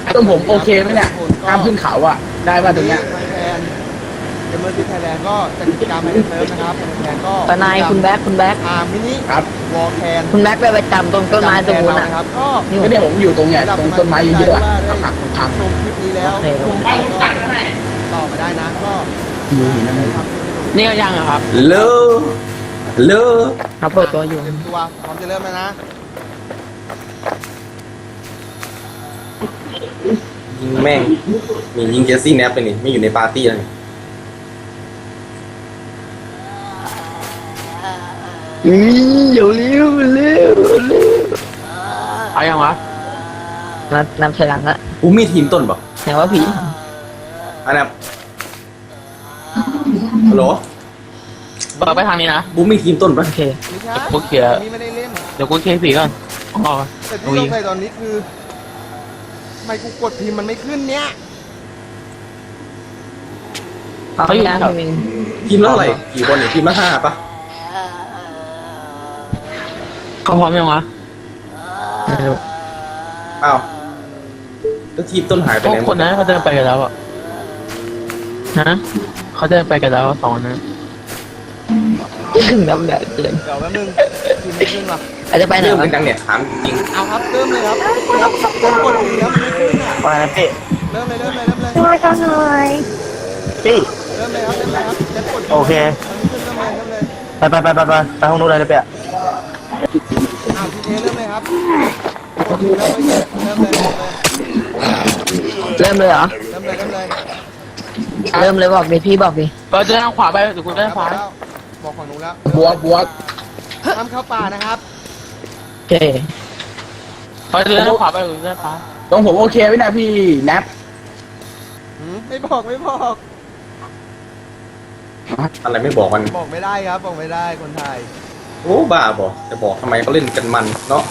ต้องผมโอเคไหมเนี่ยห้ามขึ้นเขาอ่ะได้ป่ะตรงเนี้ยไทยแลนด์เกมเมอร์ซีไทยแลนด์ก็จัดกิจกรรมในเซิร์ฟนะครับในแทนก็ทนายคุณแบ็คมินิครับวอลแคนคุณแบ็คไปประจำตรงต้นไม้ตรงนู้นนะอ่ะครับก็ก็เนี่ยผมอยู่ตรงเนี้ยตรงต้นไม้เยอะๆอ่ะหักพังชมคลิปนี้แล้วโอเคต่อมาได้นะก็อยู่หินนั่นเองนี่ก็ยังครับเลอเลอครับเปิดตัวอยู่เตรียมตัวพร้อมจะเริ่มแล้วนะยิงแม่งมียิงเจสซี่แนปไปนี่ไม่อยู่ในปาร์ตี้แล้วนี่เร็วเร็วเร็วเอายังวะนับถอยหลังละกูมีทีมต้นป่ะแสดงว่าผีอันนั้นฮัลโหลเปิดไปทางนี้นะกูมีทีมต้นป่ะโอเคไม่ใช่พวกเขียนี่ไม่ได้เล่นเดี๋ยวกูเคลียร์สีก่อนอ๋อแต่ที่ลงไปตอนนี้คือทำไมกูกดพิมพ์มันไม่ขึ้นเนี่ยเขาอยู่นะพี่มินทีมละเท่าไหร่กี่คนเนี่ยทีมละ5ป่ะเขาพร้อมยังวะไม่รู้อ้าวแล้วทีมต้นหายไปพวกไหนหคมนดนั้นเขาเดินไปกันแล้วอ่ะฮะเขาเดินไปกันแล้วสองนั้นถึงน้ำแดดเกินเดี๋ยวแป๊บนึงพิมพ์ไม่ขึ้นว่ะอาจจะไปไหนเริ่มวะกันจังเนี่ยถามจริงเอาครับเริ่มเลยครับผมกดพิมพ์แล้วมันไม่ขึ้นอ่ะไปนะพี่เริ่มเลยเริ่มเลยเริ่มเลยช่วยกันหน่อยพี่เริ่มเลยครับเริ่มเลยครับจะกดโอเคเริ่มเลยเริ่มเลยไปห้องนู้นเลยนะเปียอ้าวทีเอเริ่มเลยครับกดพิมพ์แล้วไม่ขึ้นเริ่มเลยเริ่มเลยเริ่มเลยเหรอเริ่มเลยเริ่มเลยเริ่มเลยบอกดิพี่บอกดิเปิดเดินทางขวาไปเดี๋ยวกูเดินขวาบอกฝั่งนู้นแล้วบวกห้ามเข้าป่านะครับโอเคเปิดเดินทางขวาไปเดี๋ยวกูเดินขวาตรงผมโอเคไหมเนี่ยพี่แนปไม่บอกไม่บอกอะไรไม่บอกมันบอกไม่ได้ครับบอกไม่ได้คนไทยโอ้บ้าบอกจะบอกทำไมเขาเล่นกันมันเนาะ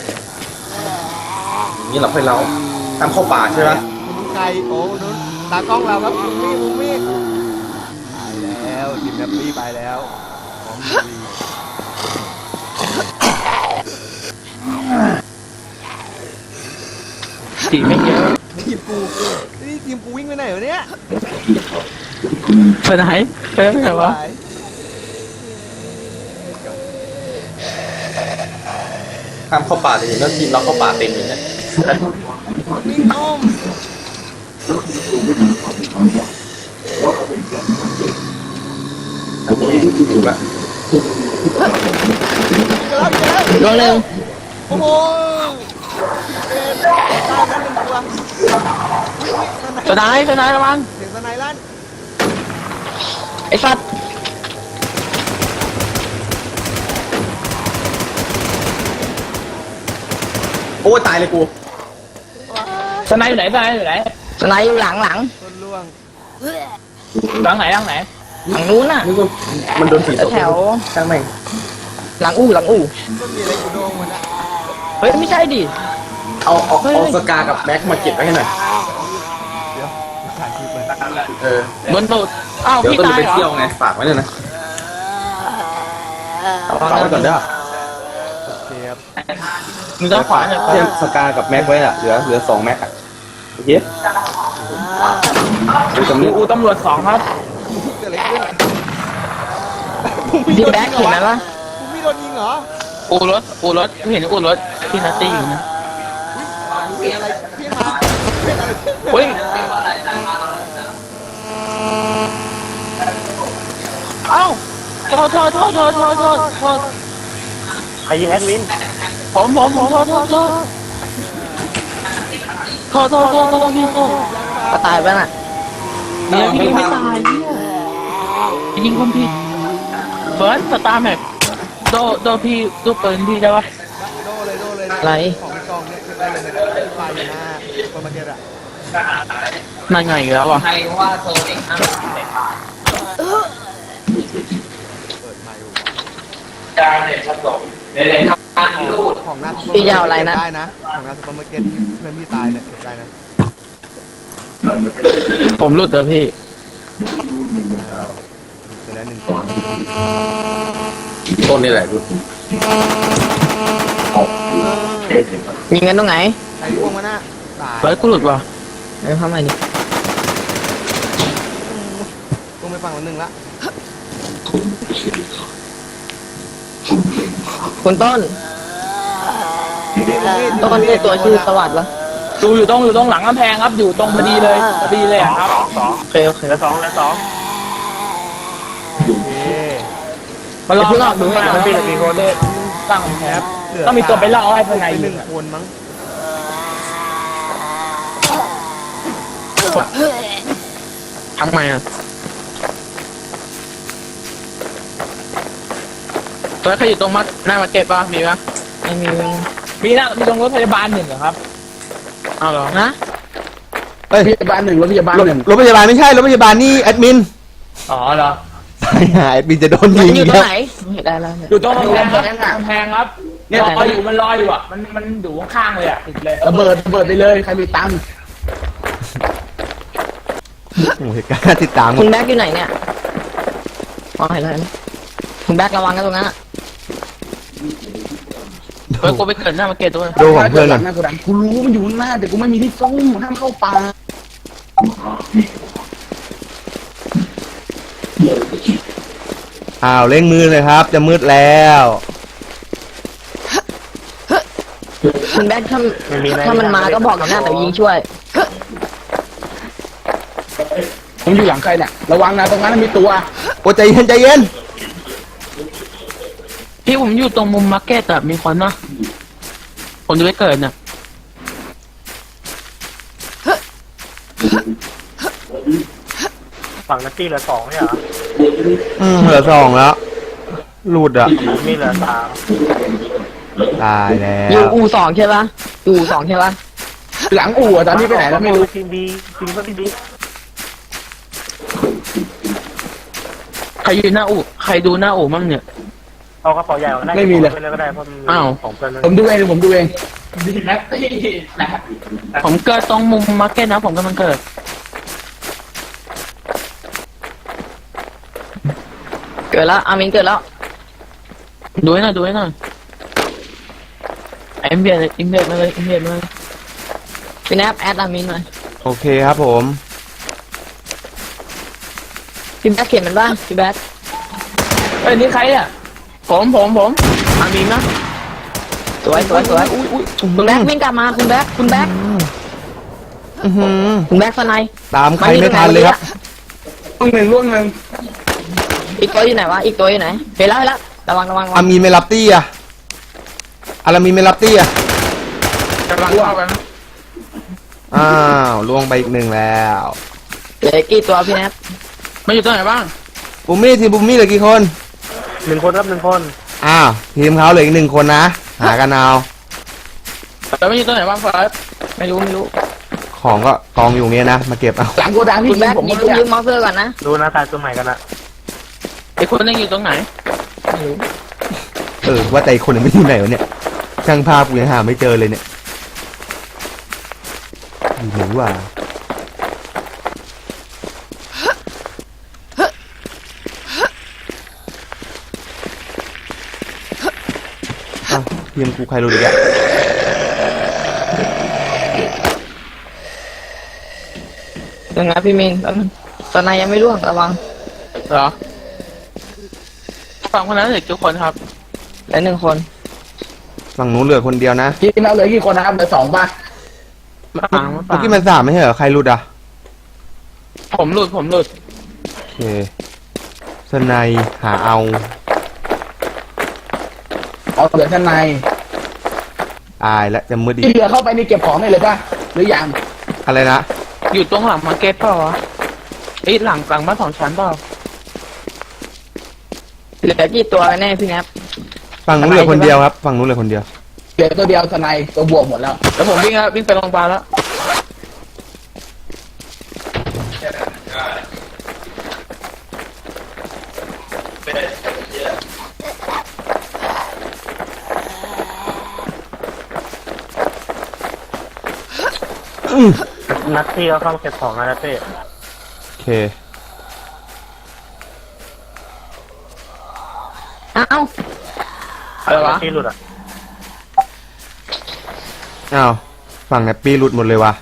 อย่างนี้เราค่อยเล่าตามเข้าป่าใช่ไหมคุณใครโอ้นู้นตากล้องเราครับมุมมี่ไปแล้วทีมแนปปี้ไปแล้วพร้อมลุยสีไม่เยอะทีมกูนี่ทีมกูวิ่งไปไหนวะเนี่ยไปไหนไปไหนวะห้ามเข้าป่าเลยแล้วทีมเราเข้าป่าเต็มเลยเนี่ยวิ่งอ้อมถูกละลงเร็วโอ้โหตายแล้วหนึ่งตัวสนายระวังเสียงสไนลั่นไอ้สัตว์โอ้ตายเลยกูสนายอยู่ไหนสนายอยู่ไหนสไนด์อยู่หลังต้นล่วงหลังไหนหลังนู้นน่ะนี่ก็มันโดนผีตกแถวช่างแม่งหลังอู่ต้นมีอะไรกูโดงมันอะเฮ้ยไม่ใช่ดิเอาสกากับแม็กมาเก็บไว้ให้หน่อยเดี๋ยวถ่ายคลิปเลยบนตูดอ้าวเดี๋ยวพี่ต้นตายไปเหรอเที่ยวไงฝากไว้เลยนะฝากไว้ก่อนเด้อโอเคครับมึงต้องขวาเนี่ยเทียมสกากับแม็กไว้อะเหลือ2แม็กอะโอเคดูตรงนี้อูตำรวจ2ครับเกิดอะไรขึ้นพี่แบ็คเห็นไหมวะคุณพี่โดนยิงเหรออูรถเห็นอูรถที่นัตตี้อยู่นะมีอะไรเพี้ยนมาเพี้ยนอะไรขึ้นเฮ้ยเอ้าโทษใครยิงแอดมินผมโทษพี่โทษก็ตายไปน่ะเนี่ยพี่ไม่ตายเนี่ยยิงคนผิดเฟิร์สสตาร์แม็กโดพี่ดูปืนพี่ได้ปะโดเลยอะไรของกองเนี่ยคือได้เลยนะไฟอยู่หน้าคนมาเก็ตอะนั่นไงอีกแล้วอ่ะเปิดไมค์ของหน้าพี่จะเอาอะไรนะได้นะของหน้าซุปเปอร์มาร์เก็ตที่เพื่อนพี่ตายเนี่ยเก็บได้นะผมหลุดเลยพี่เสร็จแล้วหนึ่งตัวต้นนี่แหละดูยิงกันตรงไหนใครล่วงมาหน้าตายเฟิร์สกูหลุดว่ะไม่เข้ามาดิกูไม่ฟังวันหนึ่งละคุณต้นต้นเรียกตัวชื่อสวัสดิ์วะอยู่ตรงหลังกำแพงครับ อยู่ตรงพอดีเลยอะครับโอเคโอเคแล้วสองโอเคมารอรอบดูให้มันเป็นกี่คนตั้งแคปต้องมีตัวไปล่อให้ภายในหหนึ่นึ่งงคนมั้งทำไมอ่ะตัวใครอยู่ตรงมัดหน้ามาเก็ตป่ะมีป่ะไม่มีมีตรงรถพยาบาลหนึ่งเหรอครับเอาเหรอนะเฮ้ยพยาบาลหนึ่งรถพยาบาลหนึ่งรถพยาบาลไม่ใช่รถพยาบาลนี่แอดมินอ๋อเหรอแอดมินจะโดนมัยินงอยู่ตรแล้งวไหนเห็นได้แล้วเนี่ยอยู่ตรงกำแพงครับเนี่ยมันลอยอยู่อ่ะมันอยู่ข้างๆเลยอ่ะติดเลยระเบิดไปเลยใครมีตังค์โอ้โหเหตุการณ์น่าติดตามคุณแบ็คอยู่ไหนเนี่ยอ๋อเห็นแล้วคุณแบ็คระวังกันตรงนั้นอะเฮ้ยกูไปเกิดหน้ามาเก็ตด้วยดูของเพื่อนก่อนหน้ากูดังกูรู้มันอยู่ข้างหน้าแต่กูไม่มีที่ซ่อมห้ามเข้าป่าอ้าวเร่งมือเลยครับ จะมืดแล้วคุณแบ็คถ้ามันมาก็บอกกับหน้าแต่ยิงช่วยผมอยู่หลังใครเนี่ยระวังนะตรงนั้นมีตัวโอ้ใจเย็นใจเย็นพี่ผมอยู่ตรงมุมมาร์เก็ตอะมีคนนะผมจะไปเกิดน่ะฝั่งนัตตี้เหลือสองเนี่ยเหรอเหลือ2แล้วหลุดอ่ะมีเหลือสามตายแล้อยู่วอู่สองใช่ปะอยู่อู่สองใช่ปะหลังอู่อะตอนนี้ไปไหนแล้วไม่รู้ทีมบีทีมก็ทีมบีใครอยู่หน้าอู่ใครดูหน้าอู่มั่งเนี่ยเอากระเป๋าใหญ่ออกได้ไม่มีเลยไปเลยก็ได้เพราะมันอ้าวของเกินเลยผมดูเองผมดูเองผมเกิดตรงมุมมาร์เก็ตนะผมกำลังเกิดเกิดแล้วอามินเกิดแล้วดูให้หน่อยเอ็มเบียดมาเลยพี่แนบแอดอามินหน่อยโอเคครับผมพี่แบ็คเขียนมันบ้างพี่แบ็คเอ้ยนี่ใครอ่ะผมอามีนนะสวยคุณแบ็ควิ่งกลับมาคุณแบ็คอื้อหือคุณแบ็คสไนด์ตามใครไม่ทันเลยครับล่วงหนึ่งอีกตัวอยู่ไหนวะอีกตัวอยู่ไหนเห็นแล้วระวังอามีนไม่รับตี้อ่ะอารามีนไม่รับตี้อ่ะกำลังเข้าไปนะอ้าวล่วงไปอีก1แล้วเหลือกี่ตัวพี่แนบมาอยู่ตรงไหนบ้างบุมมี่ทีมบุมมี่เหลือกี่คน 1 คนครับ1 คนอ้าวทีมเขาเหลืออีก1 คนนะ หากันเอาแต่ไม่อยู่ตรงไหนบ้างเฟิร์สไม่รู้ของก็กองอยู่เนี้ยนะ มาเก็บเอาหลังโกดังที่คุณแบ็คผมยิไม่งรู้ยืมมอเตอร์ก่อนนะดูหน้าตาตัวใหม่กันอะไอ้คนนึงอยู่ตรงไหนว่าแต่อีกคนหนึงไม่อยู่ไหนวะเนี่ยช่างภาพกูยังหาไม่เจอเลยเนี่ยอยู่ไหนวะอ้าวทีมกูใครรู้ดิแกยังไงพี่มินตอนนายยังไม่ร่วงระวังเหรอฝั่งคนนั้นเหลือกี่คนครับเหลือ1 คนฝั่งนู้นเหลือคนเดียวนะทีมเราเหลือกี่คนนะครับเหลือ2ป่ะมาฝั่งเมื่อกี้มัน3ไม่ใช่เหรอใครรู้อ่ะผมหลุดโอเคสไนหาเอาเอาเหลือข้างในตายแล้วจะมืดอีที่กเหลือเข้าไปนี่เก็บของได้เลยป่ะหรือยังอะไรนะอยู่ตรงหลังมาร์เก็ตเปล่าวะไอ้ยหลังบ้าน2 ชั้นเปล่าเหลือกี่ตัวกันแน่พี่แนบฝั่งนู้นเหลือคนเดียวครับฝั่งนู้นเหลือคนเดียวเหลือตัวเดียวทนายตัวบวกหมดแล้วแล้วผมวิ่งไปโรงพยาบาลแล้วนัตตี้ก็เข้ามาเก็บของนะนัตตี้โอเคอ้าวอะไรวะนัตตี้หลุดอะอ้าวฝั่งฝั่งแนปปี้หลุดหมดเลยว่ะ